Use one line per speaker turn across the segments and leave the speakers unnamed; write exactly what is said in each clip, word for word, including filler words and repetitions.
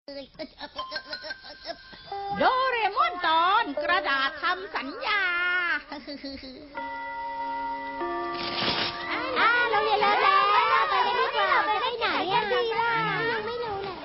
โดเรมอนตอนกระดาษทำสัญญา
อ่าเราเรียนแล้วแล้วไปกันดีกว่าไปได้ไหนอะดีล่ะยังไม่รู้เลย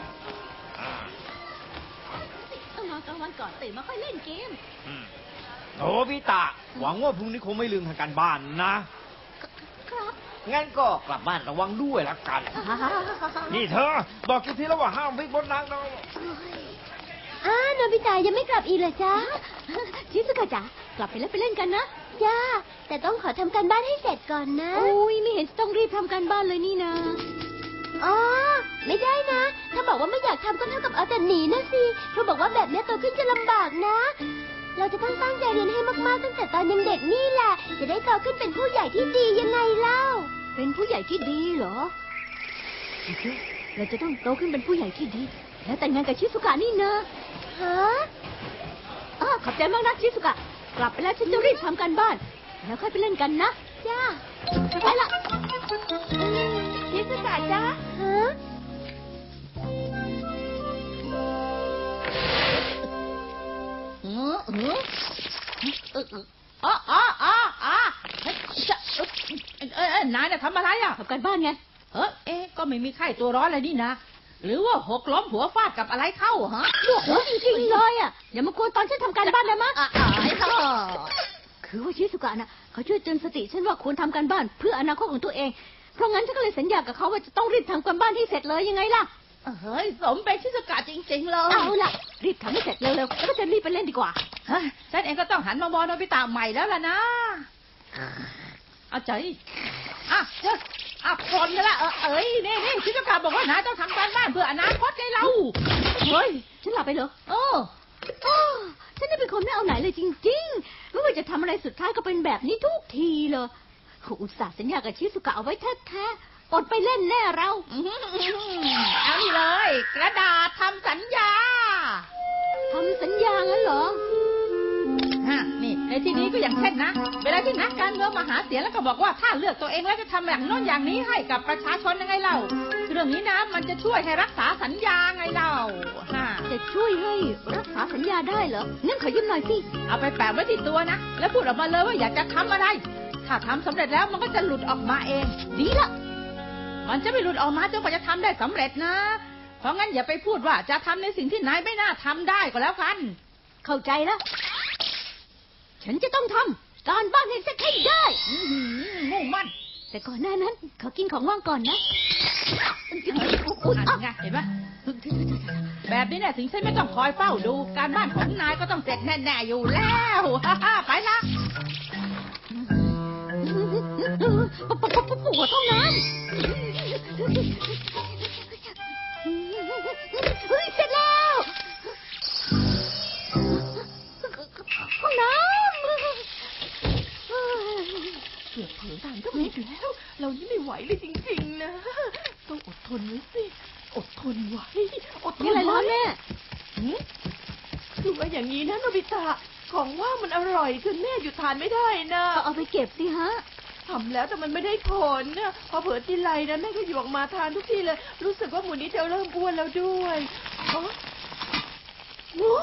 ต้องนอนกลางวันก่อนตื่นมาค่อยเล่นเกม
โอ้พี่ตาหวังว่าพรุ่งนี้คงไม่ลืมทำการบ้านนะครับงั้นก็กลับบ้านระวังด้วยละกันนี่เธอบอกกี่ทีแล้วว่าห้ามวิ่งบนทางเรา
อ้าโนบิตะยังไม่กลับอีกเหรอจ๊ะ
ชิซุกะจ๋ากลับไปแล้วไปเล่นกันนะ
จ้าแต่ต้องขอทำการบ้านให้เสร็จก่อนนะ
อุ้ยไม่เห็นต้องรีบทำการบ้านเลยนี่นะ
อ๋อไม่ได้นะถ้าบอกว่าไม่อยากทำก็เท่ากับเอาแต่หนีนะสิครูบอกว่าแบบนี้โตขึ้นจะลำบากนะเราจะต้องตั้งใจเรียนให้มากๆตั้งแต่ตอนยังเด็กนี่แหละจะได้โตขึ้นเป็นผู้ใหญ่ที่ดียังไงเล่า
เป็นผู้ใหญ่ที่ดีเหรอเราจะต้องโตขึ้นเป็นผู้ใหญ่ที่ดีแล้วแต่งงานกับชิซุกะนี่นะ
ฮะ
อ๋อขอบใจมากนะชิซุกะกลับไปแล้วฉันจะรีบทำการบ้านแล้วค่อยไปเล่นกันนะ
จ้า
ไปละชิซุกะจ้า
ฮะ
เออเออเอออ๋ออ๋ออ๋ออ๋อเออนายน่ะทำอะไรอ่ะทำการบ้านไงเออเอ๊ะก็ไม่มีไข้ตัวร้อนอะไรนี่นะหรือว่าหกล้มหัวฟาดกับอะไรเข้าฮะโอ้โหจริงๆเลยอ่ะอย่ามากวนตอนฉันทำการบ้านได้มั้ยอ่ะคือว่าชิซุกะน่ะเขาช่วยเตือนสติฉันว่าควรทำการบ้านเพื่ออนาคตของตัวเองเพราะงั้นฉันก็เลยสัญญากับเขาว่าจะต้องรีบทำการบ้านให้เสร็จเลยยังไงล่ะเฮ้ยสมเป็นชิซุกะจริงๆเลยเอาล่ะรีบทำให้เสร็จเร็วๆแล้วก็จะรีบไปเล่นดีกว่าฉันเองก็ต้องหันมามองโนบิตะใหม่แล้วล่ะนะเอาใจอ่ะเจ้าอ่ะคนนี่แหละเออเอ้ยนี่นี่ชิซุกะบอกว่านายต้องทำการบ้านเพื่ออนาคตไงเราเฮ้ยฉันหลับไปเหรอโอ้โอ้ฉันนี่เป็นคนไม่เอาไหนเลยจริงๆไม่ว่าจะทำอะไรสุดท้ายก็เป็นแบบนี้ทุกทีเลยอุตส่าห์สัญญากับชิซุกะเอาไว้แท้ๆอดไปเล่นแน่เราเอานี่เลยกระดาษทำสัญญาทำสัญญางั้นเหรอฮะนี่ในที่นี้ก็อย่างเช่นนะเวลาที่นักการเมืองมาหาเสียงแล้วก็บอกว่าถ้าเลือกตัวเองแล้วจะทำอย่างโน้นอย่างนี้ให้กับประชาชนยังไงเล่าเรื่องนี้นะมันจะช่วยให้รักษาสัญญาไงเล่าฮะจะช่วยให้รักษาสัญญาได้เหรองั้นขอยืมหน่อยสิเอาไปแปะไว้ที่ตัวนะแล้วพูดออกมาเลยว่าอยากจะทำอะไรถ้าทำสำเร็จแล้วมันก็จะหลุดออกมาเองดีละมันจะไม่หลุดออกมาจนกว่าจะทำได้สำเร็จนะเพราะงั้นอย่าไปพูดว่าจะทำในสิ่งที่นายไม่น่าทำได้ก็แล้วกันเข้าใจแล้วฉันจะต้องทำการบ้านให้เสร็จให้ได้มุ่งมั่นแต่ก่อนหน้านั้นขอกินของว่างก่อนนะอุ๊ยไงเห็นไหมแบบนี้เนี่ยถึงฉันไม่ต้องคอยเฝ้าดูการบ้านของนายก็ต้องเสร็จแน่ๆอยู่แล้วไปละปวดท้องน้ำเฮ้ยเสร็จแล้วห้องน้ำ
เกือบถึงตามก็ผิดแล้วเรานี่ไม่ไหวเลยจริงๆนะต้องอดทนไว้สิอดทนไว้อดทนไว้
แม่
ดูว่าอย่างนี้นะโนบิตะของว่ามันอร่อยจนแม่หยุดทานไม่ได้นะ
เอาไปเก็บสิฮะ
ทำแล้วแต่มันไม่ได้ผลนะพอเผลอทีไรนะแม่ก็หยิบออกมาทานทุกทีเลยรู้สึกว่าหมูนี้จะเริ่มอ้วนแล้วด้วยอ๋อหมู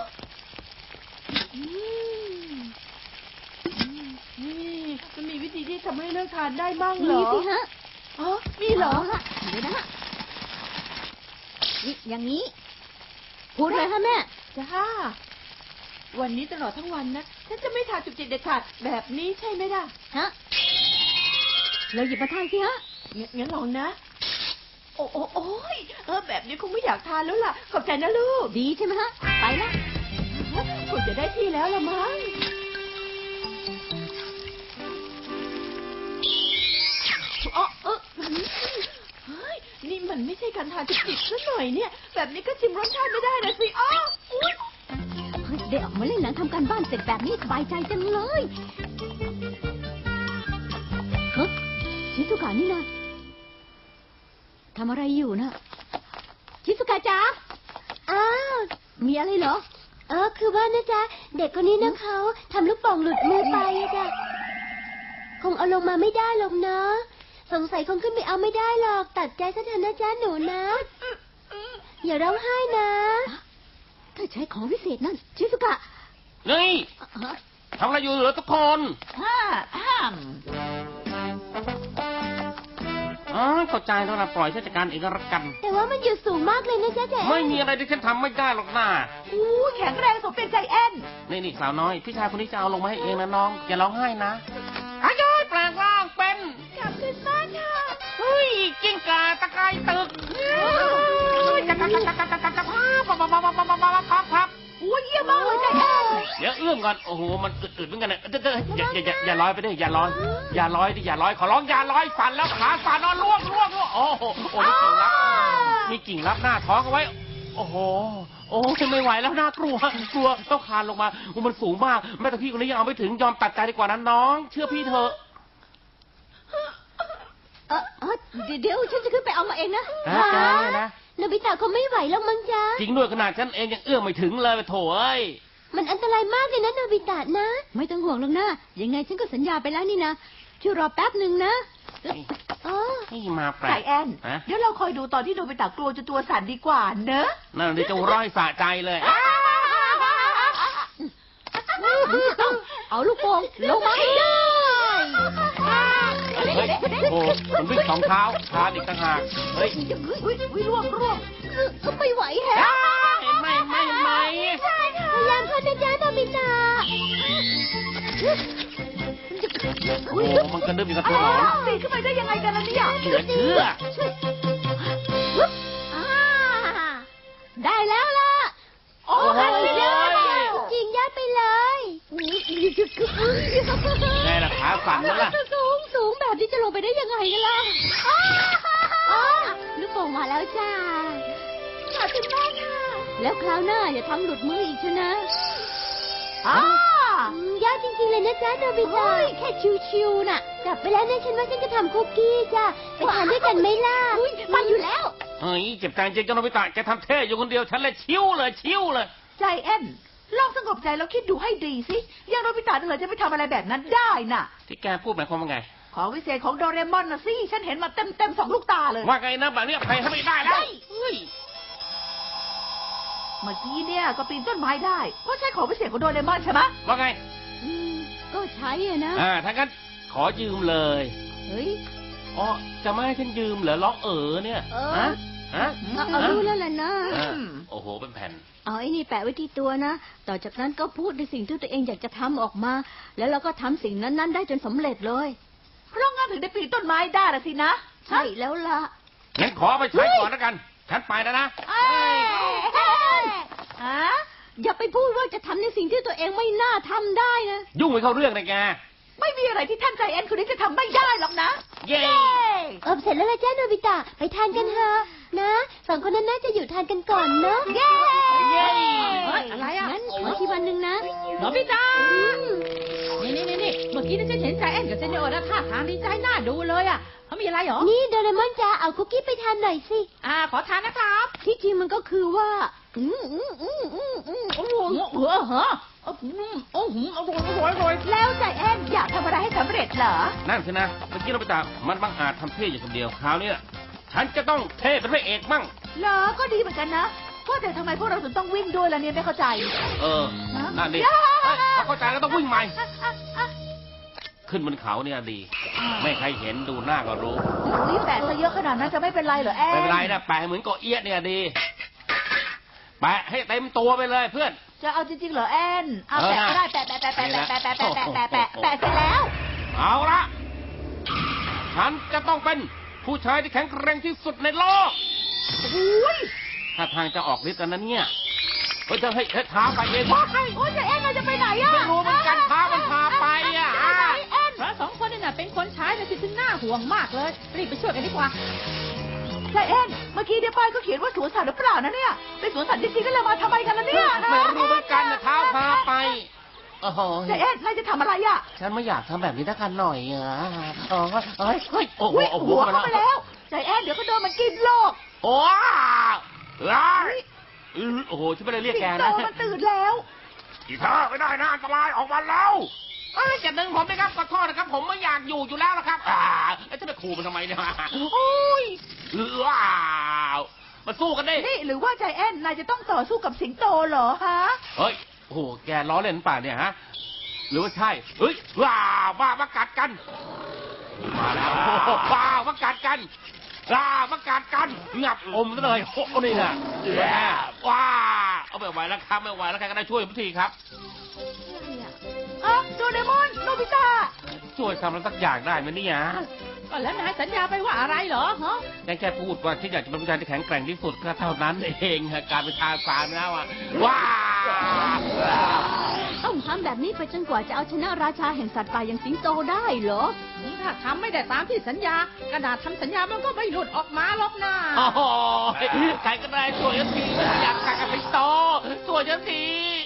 นี่มันมีวิธีที่ทำให้เลิกทานได้บ้างเหรอ
มีสิฮะ
อ๋อมีเหรอ
เดี๋ยวนะนี่อย่างนี้พูดเลยฮะแม่
จ้าวันนี้ตลอดทั้งวันนะฉันจะไม่ทานจุกจิกเด็ดขาดแบบนี้ใช่ไหมล่ะ
ฮะเราหยิบมาทานสิฮะ
งั้นลองนะโอ้โอ้โอ้ยเออแบบนี้คงไม่อยากทานแล้วล่ะขอบใจนะลูก
ดีใช่ไหมฮะไปละ
คงจะได้ที่แล้วละมั้งอ๋อเออเฮ้ยนี่มันไม่ใช่การทานจุกจิกซะหน่อยเนี่ยแบบนี้ก็ชิมรสชาติไม่ได้นะสิอ๋ออุ๊ย
ได้ออกมาเล่นหนังทำการบ้านเสร็จแบบนี้สบายใจจังเลยฮะชิซุกะนี่นะทำอะไรอยู่นะชิซุกะจ๊ะ
อ้าว
มีอะไรเหรอ
เออคือว่านะจ๊ะเด็กคนนี้นะเขาทำลูกโป่งหลุดมือไปจ้ะคงเอาลงมาไม่ได้หรอกนะสงสัยคงขึ้นไปเอาไม่ได้หรอกตัดใจซะเถอะนะจ๊ะหนูนะอย่าร้องไห้นะ ถ้าใช้ของวิเศษนั่นชิสุกะ
นี่ทำอะไรอยู่เหรอทุกคน
ฮ่าฮ่าม
อ๋อเข้าใจแล้วนะปล่อยฉันจัดการเองก็แล้วกัน
แต่ว่ามันอยู่สูงมากเลยนะจ๊ะแจ๊
ไม่มีอะไรที่ฉันทำไม่ได้หรอกนะ
อู้แข็งแรงสมเป็นใจแอน
นี่นี่สาวน้อยพี่ชายคนนี้จะเอาลงมาให้เองนะน้องอย่าร้องไห้นะอายุแปลงร่างเป็น
กลับขึ้นบ้านค่ะ
เฮ้ยกิ้งก่าตะไคร้ตึกจับจับจับจับจับจับจับพับพับพับพับพับพับพับพับ
อู้เยี่ยมมากเลยใจแอน
เดี๋ยวเอื้อมก่อนโอ้โหมันอึดๆเหมือนกันนะเด้ออย่าอย่าอย่าอย่าลอยไปดิอย่าลอยอย่าลอยดิอย่าลอยขอร้องอย่าลอยสั่นแล้วขาสั่นนอนล่วงล่วงล่วงโอ้โหโอ้มีกิ่งรับมีกิ่งรับหน้าท้องเอาไว้ โอ้โหโอ้ไม่ไหวแล้วน่ากลัวกลัวต้องคลานลงมาโอ้มันสูงมากแม่แต่พี่คนนี้ยังเอาไม่ถึงยอมตัดใจดีกว่านั้นน้อง เชื่อพี่เถอะ
เออเออเดี๋ยวฉันจะขึ้นไปเอามาเองนะ
ฮะแกเนี่ยนะ
โนบิตะเขาไม่ไหวแล้วมั้งจ๊ะ
จริงด้วยขนาดฉันเองยังเอื้อมไม่ถึงเลยโถ่เอ้ย
มันอันตรายมากเลยนะโนบิตะนะ
ไม่ต้องห่วงหรอกนะยังไงฉันก็สัญญาไปแล้วนี่นะช่วยรอแป๊บหนึ่งนะ
อ๋อ
นี่มาแปล
ใจ
ก
แอน
ฮะ
เดี๋ยวเราคอยดูตอนที่โนบิตะกลัวจนตัวสั่นดีกว่าเนอะ
นั่นที่จะร้อยสะใจเลย
เอาลูกโป่งลงมาให้ได้
เฮ้ยเฮ้ยโอ้มันวิ่งสองเท้าคลานอีกต่างหากเฮ้ย
อุ้ยอุ้ยร่วงร่วง
ก็ไม่ไหวแฮะ
ไม่ไม่ไม่
พยายามเข้านะจ๊ะโนบิตะ
โอ้มันกระดึ๊บอยู่กับตัวหนอน
ปีนขึ้นไปได้ยังไงกันล่ะเนี่ย
เหลือเชื่อ
อ่าได้แล้วล่ะ
โอ้
โอ้โห
จริงยัดไปเลย
ไงล่ะขาสั่นแล้วล่ะ
สูงสูงแบบนี้จะลงไปได้ยังไงกันล่ะ
อ๋อลูกโป่งมาแล้วจ้า
ขอบคุณมากค่ะแล้วคราวหน้าอย่าทำหลุดมืออีกเชยวนะ
อ่า
อืมยากจริงๆเลยนะจ๊ะโนบิตะ
เฮ้ยแค่ชิวๆน่ะ
กลับไปแล้วนะฉันว่าฉันจะทำคุกกี้จ้ะไปทานด้วยกันไหมล่ะ
อุ้ยมาอยู่แล้ว
เฮ้ยเจ็บใจจริงจังโนบิตะแกทำเท่อยู่คนเดียวฉันเลยชิวเลยชิวเลย
ใจแอนลองสงบใจแล้วคิดดูให้ดีสิอย่างโนบิตะเหรอจะไปทำอะไรแบบนั้นได้น่ะ
ที่แกพูดหมายความว่าไง
ของวิเศษของโดเรมอนนะสิฉันเห็นมาเต็มเต็มๆสองลูกตาเลย
ว่าไงนะแบบนี้ใครทำไม่ได้แล้วเฮ้ย
เมื่อกี้เนี่ยก็ปีนต้นไม้ได้เพราะใช้ของวิเศษของโดเรมอนใช่ไหม
ว่าไง
อืมก็ใช้อะนะ
อ่าถ้างั้นขอยืมเลย
เฮ้ย
อ๋อจะไม่ให้ฉันยืมเหรอร้องเอ๋อเนี่ย
เออ
ฮะฮะ
เอาเอารู้แล้วแหละนะ
อ่าโอ้โหเป็นแผ่น
เอาไอ้นี่แปะไว้ที่ตัวนะ ต่อจากนั้นก็พูดในสิ่งที่ตัวเองอยากจะทำออกมา แล้วเราก็ทำสิ่งนั้นๆ ได้จนสำเร็จเลย
เพราะงั้นถึงได้ปีนต้นไม้ได้ละสินะ
ใช่แล้วล่ะ
งั้นขอไปใช้ก่อนแล้วกัน ฉันไปแล้วนะ
เอ้ยฮะ
อย่าไปพูดว่าจะทำในสิ่งที่ตัวเองไม่น่าทำได้นะ
ยุ่งไปเข้าเรื่องเลยแก
ไม่มีอะไรที่ท่านใจแอนคนนี้จะทำไม่ได้หรอกนะ
เย้
เออเสร็จแล้วละจ้าโนบิตะไปทานกันเถอะนะสองคนนั้นน่าจะอยู่ทานกันก่อนเนอะ
เย้
เย้
เฮ้ยอะไรอ่ะ
งั้นขอที่วันหนึ่งนะ
โนบิตะนี่นี่นี่นี่เมื่อกี้นี่ฉันเห็นใจแอนกับเซนโอนะท่าทางดีใจน่าดูเลยอ่ะเขามีอะไรเหรอ
นี่โดเรมอนจ้าเอาคุกกี้ไปทานหน่อยสิ
อ่าขอทานนะครับ
ที่จริงมันก็คือว่า อืมอืมอืมอืมอืม
โอ้โหเออเหรอโอ้โหโอ้โหอร่อยอร่อยอร่อย
แล้วใจแอนอยากทำอะไรให้สำเร็จเหรอ
นั่นสินะ เมื่อกี้เราไปตามมันบังอาจทำเท่อยู่คนเดียว คราวนี้ฉันจะต้องเท่เป็นพระเอกมั่ง
เหรอ ก็ดีเหมือนกันนะก็แต่ทำไมพวกเราถึงต้องวิ่งด้วยล่ะเนี่ยไม่เข้าใจ
เออ นั่นดิเฮ้ยพอเข้าใจแล้วต้องวิ่งใหม่ ขึ้นบนเขาเนี่ยดี ไม่ใครเห็นดูหน้าก็รู้
นี่แปะซะเยอะขนาดนั้นจะไม่เป็นไรเหรอแอน
ไม่เป็นไรนะแปะเหมือนเกาะเอี้ยเนี่ยดี แปะให้เต็มตัวไปเลยเพื่อน
จะเอาจริงๆเหรอแอนเอา
เออ
แปะก็ได้แปะแปะแปะแปะแปะแปะแปะแปะแปะแปะแปะเสร็จแล้ว
เอาละ ฉันจะต้องเป็นผู้ชายที่แข็งแกร่งที่สุดในโลก
อุ้ย
ถ้าทางจะออกฤทธิ์แล้วนะเนี่ยเฮ้ยจะให้ให้ท้าไปเองวะ
โอ้ยใจแอนเราจะไปไหนอะ
ไม่รู้เหมือนกันท้ามันพาไปอ่ะอ่ะ
แอน
พระสองคนนี่น่ะเป็นคนใช้แต่สิถึงน่าห่วงมากเลยรีบไปช่วยกันดีกว่า
ใจแอนเมื่อกี้เดี๋ยวป้ายก็เขียนว่าสวนสัตว์หรือเปล่านะเนี่ยเป็นสวนสัตว์จริงๆก็เลยมาทำไมกันล่ะเนี่ย
ไม่รู้เหมือนกันนะท้าพาไปโอ้โห
ใจแอนนายจะทำอะไรอะ
ฉันไม่อยากทำแบบนี้ทักกันหน่อยอ่ะอ๋อเฮ้ยเฮ้ยโอ้โห
อุ้ย
โอ้โห
หัว
มา
เข้าไป
แล้
แล้ว วใจแอนเดี๋ยวก็โดนมันกินโลก
โอ้ว้าวโอ้โหฉันไม่ได้เรียก
สิ
แก
งโต
นะ
มันตื่นแล้ว
อีเธอไม่ได้นะอันตรายออกมาแล้วเอ้ยจะดึงผมไหมครับขอโทษนะครับ ผมไม่อยากอยู่อยู่แล้วนะครับ อ่าแล้วจะไปขู่มันทำไมเนี่ยโอ้ยว้าวมาสู้กันดิ
นี่หรือว่าใจแอนนายจะต้องต่อสู้กับสิงโตเหรอฮะ
เฮ้ยโอ้โหแกล้อเล่นป่ะเนี่ยฮะหรือว่าใช่เฮ้ยว้าวว้ามากัดกันมาแล้วโอ้โหว้าวมากัดกันว้ามากัดกันงับอมซะเลยโอ้โหนี่นะแหมว้าเอาไม่ไหวแล้วครับไม่ไหวแล้วใครก็ได้ช่วยผมทีครับ
อ่ะโดเรมอนโนบิตะ
ช่วยทำอะไรสักอย่างได้ไหมเนี่ย
ก็แล้วนายสัญญาไปว่าอะไรเหรอฮะ
ยังแค่พูดว่าฉันอยากจะเป็นผู้ชายที่แข็งแกร่งที่สุดก็เท่านั้นเองฮะการเป็นทาสานนะว่าว้า
ต้องทำแบบนี้ไปจนกว่าจะเอาชนะราชาแห่งสัตว์ป่าอย่างสิงโตได้เหรอ
ถ้าทำไม่ได้ตามที่สัญญากระดาษทำสัญญามันก็ไม่หลุดออกมาหรอกนะ
โอ้โหใครก็ได้ช่วยฉันทีอยากกัดกับสิงโตช่วยฉันที